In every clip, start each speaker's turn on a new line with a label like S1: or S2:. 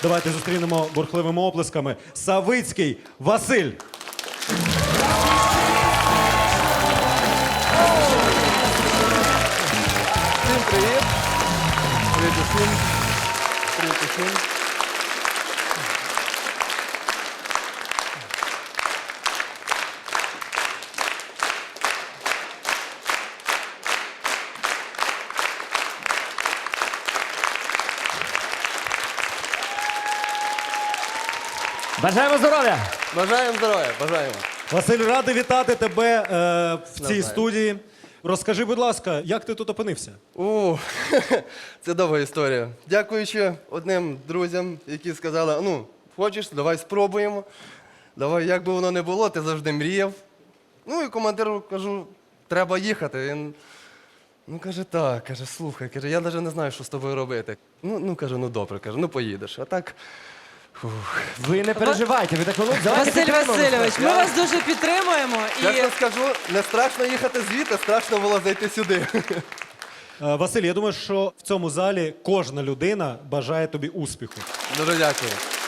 S1: Давайте зустрінемо бурхливими оплесками. Савицький Василь.
S2: Всім привіт. Привіт усім. Привіт усім.
S3: Бажаємо здоров'я!
S2: Бажаємо здоров'я, бажаємо.
S1: Василь, радий вітати тебе в цій
S2: Навзаєм.
S1: студії. Розкажи, будь ласка, як ти тут опинився?
S2: Це довга історія. Дякуючи одним друзям, які сказали, ну, хочеш, давай спробуємо. Давай, як би воно не було, ти завжди мріяв. Ну і командиру кажу, треба їхати. Він каже, так, каже, слухай, каже, я навіть не знаю, що з тобою робити. Кажу, ну добре, каже, ну поїдеш. А так,
S3: Ви не переживайте, ви так давайте
S4: Василь
S3: підтримуємо.
S4: Васильович, ми вас дуже підтримуємо.
S2: чесно скажу, не страшно їхати звідти, страшно було зайти сюди.
S1: Василь, я думаю, що в цьому залі кожна людина бажає тобі успіху.
S2: Дуже дякую.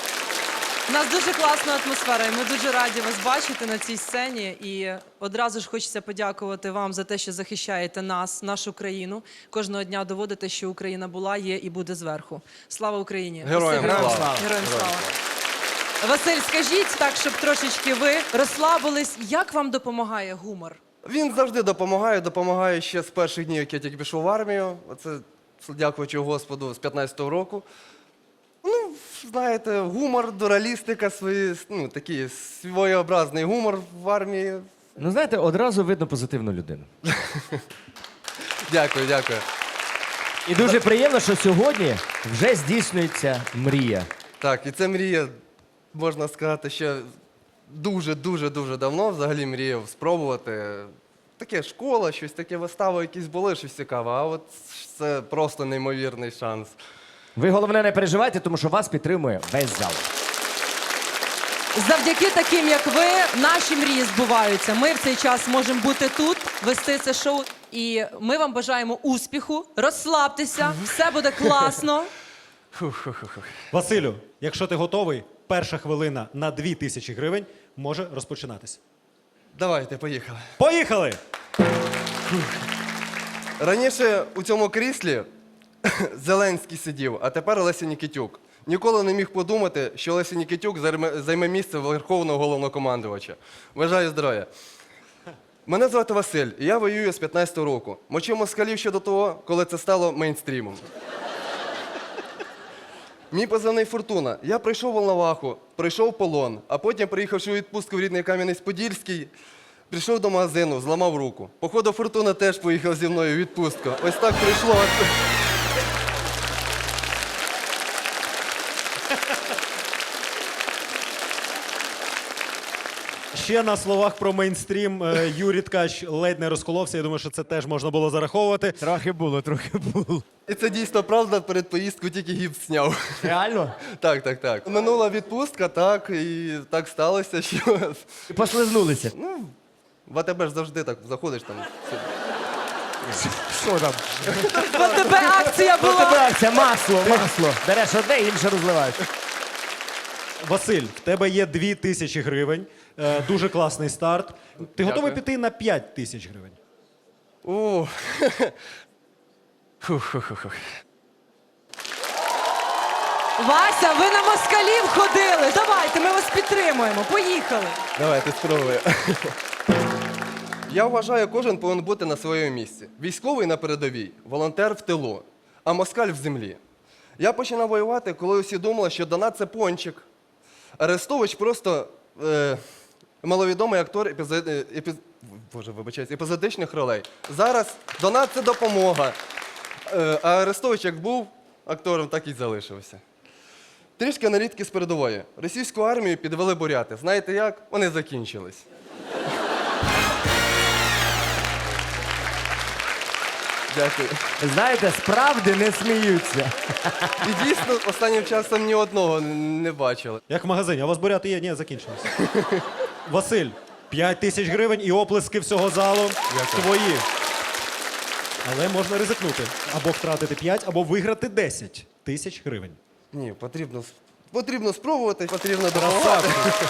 S4: У нас дуже класна атмосфера, і ми дуже раді вас бачити на цій сцені. І одразу ж хочеться подякувати вам за те, що захищаєте нас, нашу країну. Кожного дня доводите, що Україна була, є і буде зверху. Слава Україні!
S2: Героям
S4: Василь,
S2: слава!
S4: Героям слава! Василь, скажіть так, щоб трошечки ви розслабились. Як вам допомагає гумор?
S2: Він завжди допомагає ще з перших днів, як я тільки пішов в армію. Оце, дякуючи Господу, з 15-го року. Ну, знаєте, гумор, дуралістика, такий своєобразний гумор в армії.
S3: Ну, знаєте, одразу видно позитивну людину.
S2: Дякую, дякую.
S3: І дуже приємно, що сьогодні вже здійснюється мрія.
S2: Так, і це мрія, можна сказати, ще дуже давно взагалі мріяв спробувати. Таке школа, щось таке, вистави якісь були, щось цікаве, а от це просто неймовірний шанс.
S3: Ви, головне, не переживайте, тому що вас підтримує весь зал.
S4: Завдяки таким, як ви, наші мрії збуваються. Ми в цей час можемо бути тут, вести це шоу. І ми вам бажаємо успіху, розслабтеся, все буде класно.
S1: Василю, якщо ти готовий, перша хвилина на 2000 гривень може розпочинатися.
S2: Давайте, поїхали.
S1: Поїхали!
S2: Раніше у цьому кріслі Зеленський сидів, а тепер Олеся Нікітюк. Ніколи не міг подумати, що Олеся Нікітюк займе місце Верховного Головнокомандувача. Бажаю здоров'я. Мене звати Василь, і я воюю з 15-го року. Мочив москалів ще до того, коли це стало мейнстрімом. Мій позивний «Фортуна». Я прийшов в Волноваху, пройшов полон, а потім, приїхавши у відпустку в рідний Кам'янець-Подільський, прийшов до магазину, зламав руку. Походу, «Фортуна» теж поїхав зі мною у відпустку. Ось так прийшло.
S1: Ще на словах про мейнстрім Юрій Ткач ледь не розколовся. Я думаю, що це теж можна було зараховувати.
S3: Трохи було.
S2: І це дійсно правда, перед поїздкою тільки гіпс зняв.
S3: Реально?
S2: Так. Минула відпустка, так, і так сталося, що...
S3: Послизнулися.
S2: В АТБ ж завжди так заходиш там.
S3: Що там?
S4: Бо тебе акція
S3: Просто
S4: була.
S3: акція, масло. Береш одне, інше розливаєш.
S1: Василь, в тебе є 2000 гривень. Дуже класний старт. Ти готовий піти на 5000 гривень?
S2: О,
S4: Вася, ви на москалів ходили. Давайте, ми вас підтримуємо. Поїхали.
S2: давайте спробуємо. Я вважаю, кожен повинен бути на своєму місці. Військовий на передовій, волонтер в тилу, а москаль в землі. Я починав воювати, коли усі думали, що Донат – це пончик. Арестович просто маловідомий актор епізодичних ролей. Зараз Донат – це допомога. А Арестович як був актором, так і залишився. Трішки аналітики з передової. Російську армію підвели буряти. Знаєте як? Вони закінчились. Дякую.
S3: Знаєте, справді не сміються.
S2: І дійсно, останнім часом ні одного не бачили.
S1: Як в магазині. А у вас буряти є? Ні, закінчилося. Василь, 5000 гривень і оплески всього залу твої. Але можна ризикнути. Або втратити 5, або виграти 10 тисяч гривень.
S2: Ні, потрібно Потрібно спробувати, потрібно допомагати.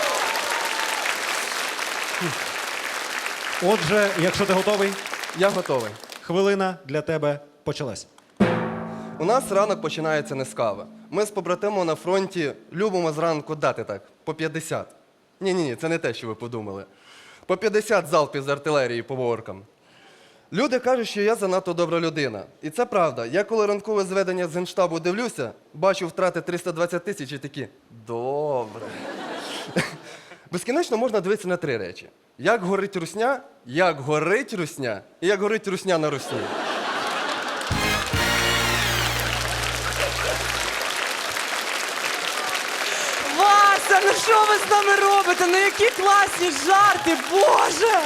S1: Отже, якщо ти готовий,
S2: Я готовий.
S1: хвилина для тебе почалась.
S2: У нас ранок починається не з кави. Ми з побратимом на фронті любимо зранку дати так, по 50. Ні, це не те, що ви подумали. По 50 залпів з артилерії по воркам. Люди кажуть, що я занадто добра людина. І це правда. Я коли ранкове зведення з Генштабу дивлюся, бачу втрати 320 тисяч і такі добре. Безкінечно можна дивитися на три речі. Як горить русня, як горить русня і як горить русня на русні.
S4: Вася, ну що ви з нами робите? Ну які класні жарти, Боже!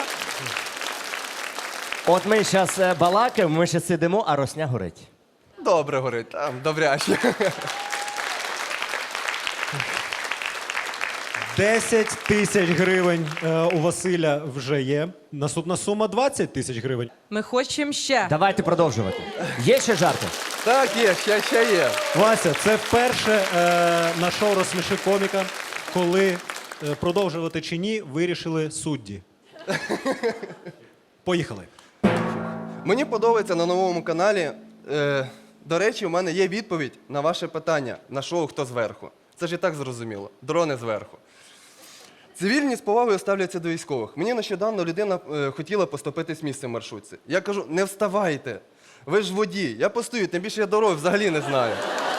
S3: От ми зараз балакаємо, ми ще сидимо, а росня горить.
S2: Добре горить, там добряче.
S1: 10 тисяч гривень у Василя вже є. Наступна сума 20 тисяч гривень.
S4: Ми хочемо ще.
S3: Давайте продовжувати. Є ще жарти?
S2: Так, є, ще є.
S1: Вася, це вперше на шоу «Розсміши коміка», коли продовжувати чи ні, вирішили судді. Поїхали.
S2: Мені подобається на новому каналі. До речі, у мене є відповідь на ваше питання на шоу «Хто зверху?». Це ж і так зрозуміло. Дрони зверху. Цивільні з повагою ставляться до військових. Мені нещодавно людина хотіла поступитись місце в маршрутці. Я кажу, не вставайте. Ви ж водій. Я постою, тим більше я дороги взагалі не знаю.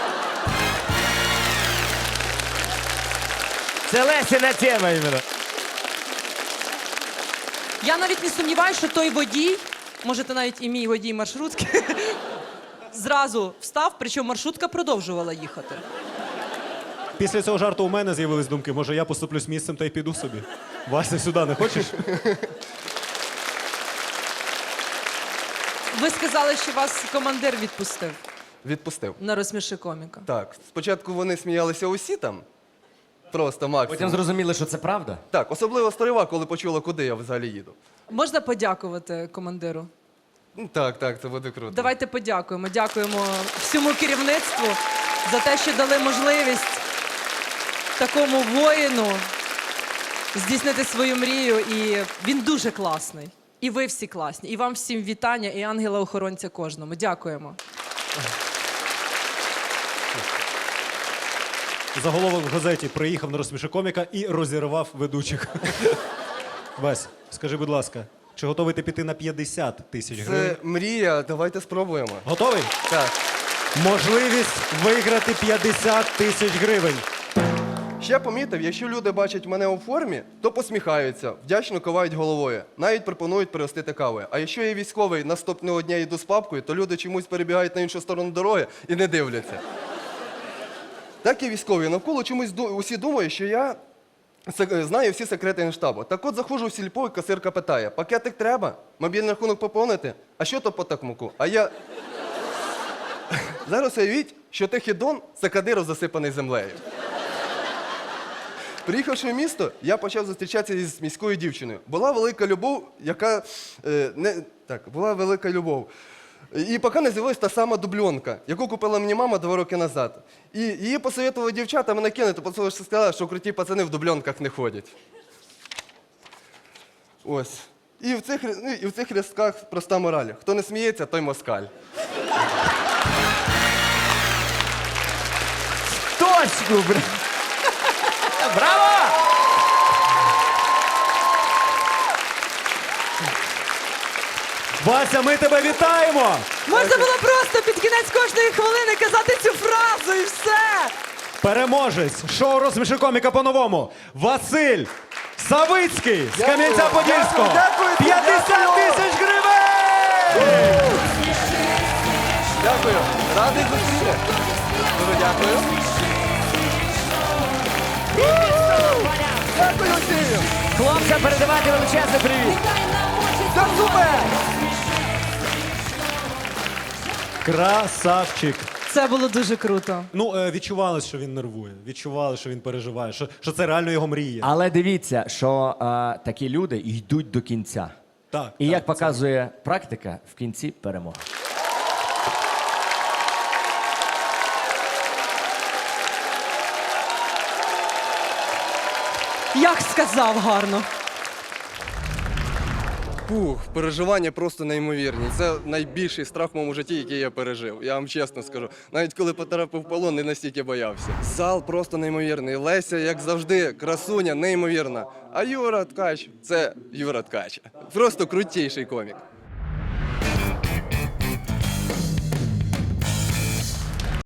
S3: Це Лесіна тема іменно.
S4: Я навіть не сумніваюся, що той водій, може, це навіть і мій водій маршрутки, зразу встав, причому маршрутка продовжувала їхати.
S1: Після цього жарту у мене з'явились думки, може я поступлюсь місцем та й піду собі. Вася, сюди не хочеш?
S4: Ви сказали, що вас командир відпустив
S2: Відпустив.
S4: на «Розсміши коміка».
S2: Так, спочатку вони сміялися усі там. Просто максимум.
S3: Потім зрозуміли, що це правда.
S2: Так, особливо старива, коли почула, куди я взагалі їду.
S4: Можна подякувати командиру?
S2: Так, це буде круто.
S4: Давайте подякуємо. Дякуємо всьому керівництву за те, що дали можливість такому воїну здійснити свою мрію. І він дуже класний. І ви всі класні. І вам всім вітання, і ангела-охоронця кожному. Дякуємо.
S1: Заголовок в газеті приїхав на «Розсміши коміка» і розірвав ведучих. Вась, скажи, будь ласка, чи готовий ти піти на 50 тисяч гривень?
S2: Це мрія, давайте спробуємо.
S1: Готовий?
S2: Так.
S1: Можливість виграти 50 тисяч гривень.
S2: Ще помітив, якщо люди бачать мене у формі, то посміхаються, вдячно кивають головою, навіть пропонують пригостити кавою. А якщо я військовий наступного дня йду з папкою, то люди чомусь перебігають на іншу сторону дороги і не дивляться. Так і військові. Навколо чомусь усі думають, що я знаю всі секрети Генштабу. Так от заходжу в сільпо, і касирка питає, пакетик треба? Мобільний рахунок поповнити? А що то по такмуку? А я... Зараз уявіть, що Тихий-Дон – це Кадиров, засипаний землею. Приїхавши в місто, я почав зустрічатися з міською дівчиною. Була велика любов, яка... була велика любов. І поки не з'явилась та сама дубльонка, яку купила мені мама 2 роки назад. І її посоветували дівчата мене кинути, тому що сказали, що круті пацани в дубльонках не ходять. Ось. І в цих рядках проста мораль. Хто не сміється, той москаль.
S3: Точку, бра! Браво!
S1: Вася, ми тебе вітаємо!
S4: Можна було просто під кінець кожної хвилини казати цю фразу і все.
S1: Переможець шоу «Розсміши коміка» по-новому. Василь Савицький з Кам'янця-Подільського.
S2: Дякую,
S1: 50 тисяч гривень!
S2: Дякую. Радий зустрічі. Дуже дякую. Дякую всім.
S3: Хлопцям передавайте величезний привіт.
S2: Це супер!
S1: Красавчик.
S4: Це було дуже круто.
S1: Ну, відчували, що він нервує, відчували, що він переживає, що це реально його мрія.
S3: Але дивіться, що такі люди йдуть до кінця.
S1: Так,
S3: І
S1: так,
S3: як показує практика, в кінці перемога.
S4: Як сказав гарно.
S2: Фух, переживання просто неймовірні. Це найбільший страх в моєму житті, який я пережив. Я вам чесно скажу. Навіть коли потрапив в полон, не настільки боявся. Зал просто неймовірний. Леся, як завжди, красуня, неймовірна. А Юра Ткач – це Юра Ткач. Просто крутіший комік.